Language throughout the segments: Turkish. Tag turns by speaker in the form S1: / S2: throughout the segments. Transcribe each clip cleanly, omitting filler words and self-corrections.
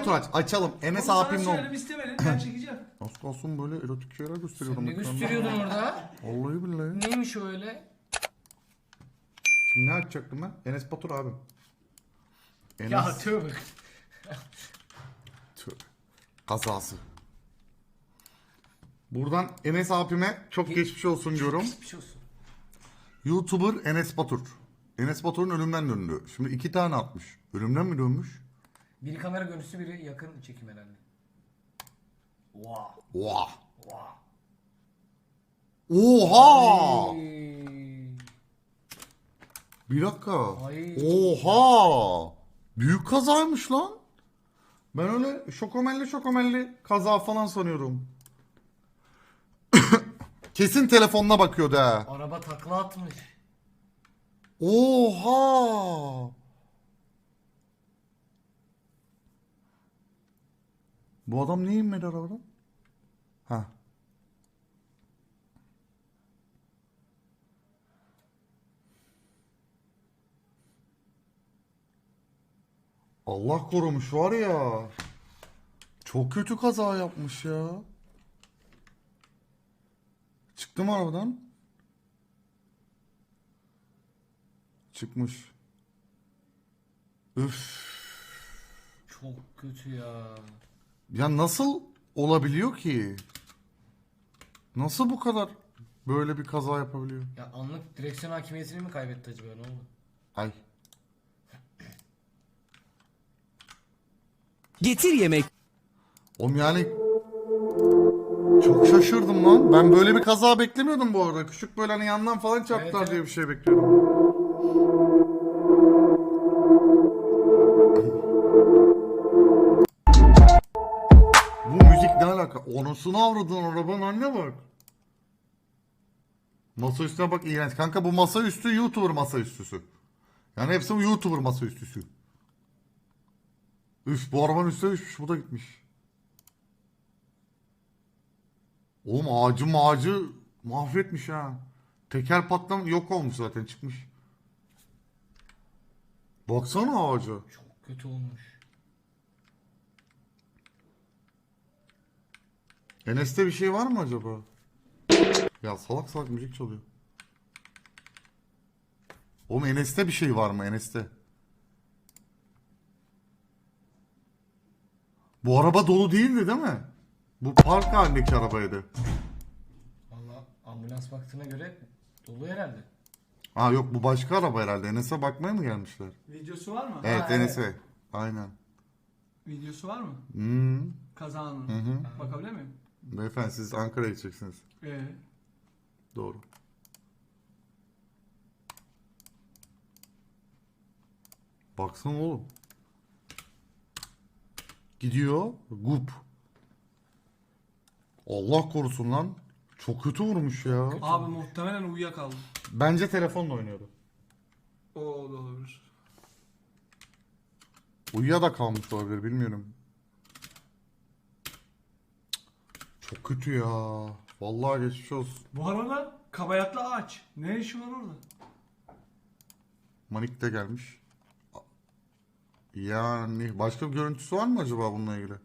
S1: Batur aç. Açalım. Enes
S2: Oğlum
S1: abim
S2: sana
S1: ne oldu?
S2: söyledim istemedin. Ben çekeceğim.
S1: Az kalsın böyle erotik şeyler gösteriyorum.
S3: Ne
S1: ekranda.
S3: gösteriyordun orada?
S1: Vallahi billahi.
S3: Neymiş o öyle?
S1: Şimdi ne açacaktım ben? Enes Batur abim. Enes
S3: Ya tövbe.
S1: Tövbe. Kazası. Buradan Enes abime çok geçmiş olsun diyorum.
S3: Geçmiş olsun.
S1: YouTuber Enes Batur. Enes Batur'un ölümden döndü. Şimdi 2 tane atmış. Ölümden mi dönmüş?
S3: Biri kamera görüntüsü, biri yakın çekim herhalde. Wow.
S1: Oha.
S3: Wow.
S1: Oha.
S3: Ay.
S1: Bir dakika.
S3: Ay.
S1: Oha. Büyük kazaymış lan. Ben öyle şokomelli kaza falan sanıyorum. Kesin telefonuna bakıyordu ha.
S3: Araba takla atmış.
S1: Oha. Bu adam niye inmedi arabadan? Ha. Allah korumuş var ya. Çok kötü kaza yapmış ya. Çıktı mı arabadan? Çıkmış. Üf.
S3: Çok kötü ya.
S1: Ya nasıl olabiliyor ki? Nasıl bu kadar böyle bir kaza yapabiliyor?
S3: Ya anlık direksiyon hakimiyetini mi kaybetti acaba, ne oldu?
S1: Ay.
S4: Getir yemek.
S1: Oğlum yani çok şaşırdım lan. Ben böyle bir kaza beklemiyordum bu arada. Küçük böyle hani yandan falan çarptılar
S3: Evet,
S1: diye
S3: evet.
S1: bir şey bekliyordum. Bu müzik ne alaka? Onusunu avradın arabanın anne bak. Masa üstüne bak, iğrenç. Kanka bu masa üstü YouTuber masa üstüsü. Yani hepsi bu YouTuber masa üstüsü. Üf, bu arabanın üstüne düşmüş, bu da gitmiş. Oğlum ağacı mahvetmiş ha. Teker patlam yok olmuş zaten, çıkmış. Baksana ağaca.
S3: Çok kötü olmuş.
S1: Enes'te bir şey var mı acaba? Ya salak salak müzik çalıyor. Oğlum Enes'te bir şey var mı Enes'te? Bu araba dolu değildi değil mi? Bu park halindeki arabaydı.
S3: Valla ambulans baktığına göre dolu herhalde.
S1: Ha yok, bu başka araba herhalde. Enes'e bakmaya mı gelmişler?
S2: Videosu var mı?
S1: Evet,
S3: Ha,
S1: Enes'e. Aynen.
S2: Videosu var mı?
S1: Hmm.
S2: Kazanın.
S1: Hı.
S2: Bakabilir miyim?
S1: Beyefendi siz Ankara'ya gideceksiniz.
S2: Ee,
S1: Doğru. Baksana oğlum. Gidiyor. Gup. Allah korusun lan. Çok kötü vurmuş ya.
S2: abi muhtemelen uyuyakaldı.
S1: Bence telefonla oynuyordu.
S2: O da olabilir.
S1: Uyuya da kalmış olabilir, bilmiyorum. Çok kötü ya. Vallahi geçmiş olsun.
S2: Bu arada kabayatlı ağaç. Ne işi var orada?
S1: Manik de gelmiş. Yani başka bir görüntüsü var mı acaba bununla ilgili?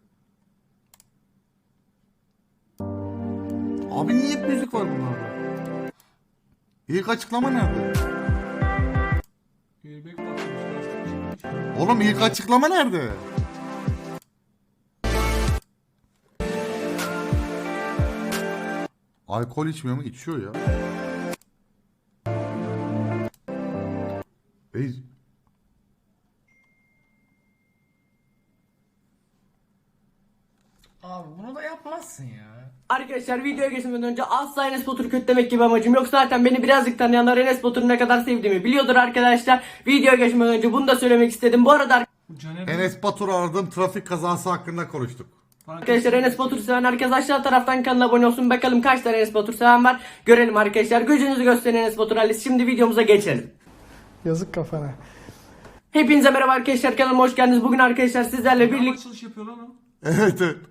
S1: Abi niye hep müzik var bunlarda? İlk açıklama nerede?
S2: Airbag patlamış. Lastik çıkmış.
S1: Oğlum ilk açıklama nerede? Alkol içmiyor mu? İçiyor ya. Ey,
S3: Abi bunu da yapmazsın ya.
S5: Arkadaşlar videoya geçmeden önce asla Enes Batur'u kötülemek gibi amacım yok. Zaten beni birazcık tanıyanlar Enes Batur'u ne kadar sevdiğimi biliyordur arkadaşlar. Videoya geçmeden önce bunu da söylemek istedim. Bu arada
S2: Bu Caner
S1: Enes Batur'u aradım, trafik kazası hakkında konuştuk.
S5: arkadaşlar Enes Batur seven herkes aşağı taraftan kanala abone olsun. Bakalım kaç tane Enes Batur seven var. Görelim arkadaşlar. Gücünüzü gösterin Enes Batur ailesi. Şimdi videomuza geçelim.
S6: Yazık kafana.
S5: Hepinize merhaba arkadaşlar, kanalıma hoş geldiniz. Bugün arkadaşlar sizlerle birlikte
S2: açılış yapıyor lan o.
S1: Evet, evet.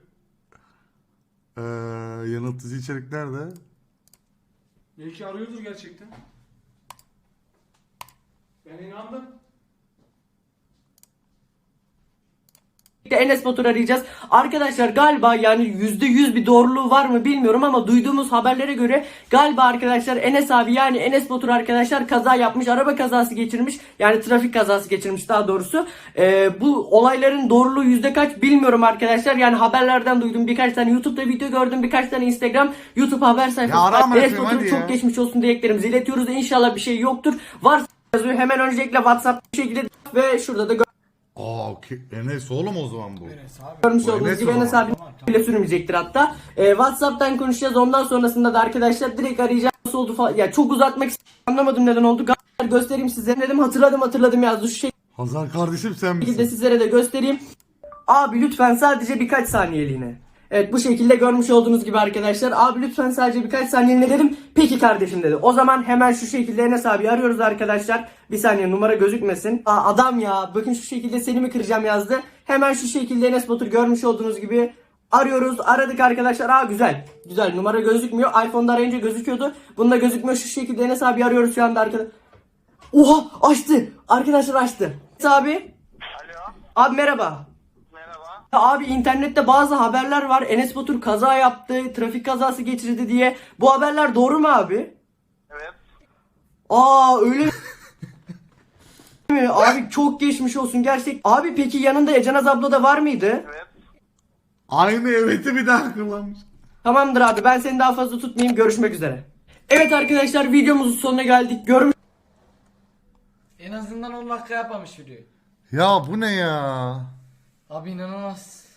S1: Yanıltıcı içerik nerede?
S2: Belki arıyordur gerçekten. Ben inandım.
S5: Enes Batur arayacağız. Arkadaşlar galiba yani %100 bir doğruluğu var mı bilmiyorum ama duyduğumuz haberlere göre galiba arkadaşlar Enes abi yani Enes Batur arkadaşlar kaza yapmış. Araba kazası geçirmiş. Yani trafik kazası geçirmiş daha doğrusu. Bu olayların doğruluğu yüzde kaç bilmiyorum arkadaşlar. Yani haberlerden duydum. Birkaç tane YouTube'da video gördüm. Birkaç tane Instagram, YouTube haber sayfası.
S1: arama
S5: Enes
S1: yapayım,
S5: Batur'un
S1: hadi
S5: çok
S1: ya.
S5: geçmiş olsun dileklerimizi iletiyoruz. İnşallah bir şey yoktur. Varsa yazıyor. Hemen öncelikle WhatsApp bir şekilde ve şurada da
S1: Enes oğlum o zaman bu.
S3: Enes abi.
S5: görmüş
S1: Bu
S5: olduğunuz
S1: Enes
S5: gibi
S1: o
S5: Enes
S1: zaman.
S5: abi bile sürmeyecektir hatta. WhatsApp'tan konuşacağız. Ondan sonrasında da arkadaşlar direkt arayacağız. Nasıl oldu falan. Ya çok uzatmak istedim. Anlamadım neden oldu. Göstereyim size. Dedim hatırladım yazdı. Şu
S1: Hazar kardeşim sen
S5: şekilde
S1: misin?
S5: sizlere de göstereyim. Abi lütfen sadece birkaç saniyeliğine. Evet bu şekilde görmüş olduğunuz gibi arkadaşlar. Abi lütfen sadece birkaç saniyeliğine dedim. Peki kardeşim dedi. O zaman hemen şu şekilde Enes abi arıyoruz arkadaşlar. Bir saniye numara gözükmesin. Adam ya bakın şu şekilde seni mi kıracağım yazdı. Hemen şu şekilde Enes Batur görmüş olduğunuz gibi arıyoruz. Aradık arkadaşlar. Güzel. Güzel numara gözükmüyor. iPhone'da arayınca gözüküyordu. Bunda gözükmüyor. Şu şekilde Enes abi arıyoruz şu anda arkadaşlar. Oha açtı. Arkadaşlar açtı. Enes abi.
S4: Alo,
S5: Abi merhaba.
S4: merhaba.
S5: Abi internette bazı haberler var. Enes Batur kaza yaptı, trafik kazası geçirdi diye. Bu haberler doğru mu abi?
S4: Evet.
S5: Öyle mi? Abi çok geçmiş olsun gerçek. Abi peki yanında Ecenaz abla da var mıydı?
S4: Evet.
S1: Aynı evet'i bir daha kullanmış.
S5: Tamamdır abi ben seni daha fazla tutmayayım. Görüşmek üzere. Evet arkadaşlar videomuzun sonuna geldik. Görmüş
S3: En azından 10 dakika yapmamış video.
S1: Ya bu ne ya?
S3: Abi inanılmaz.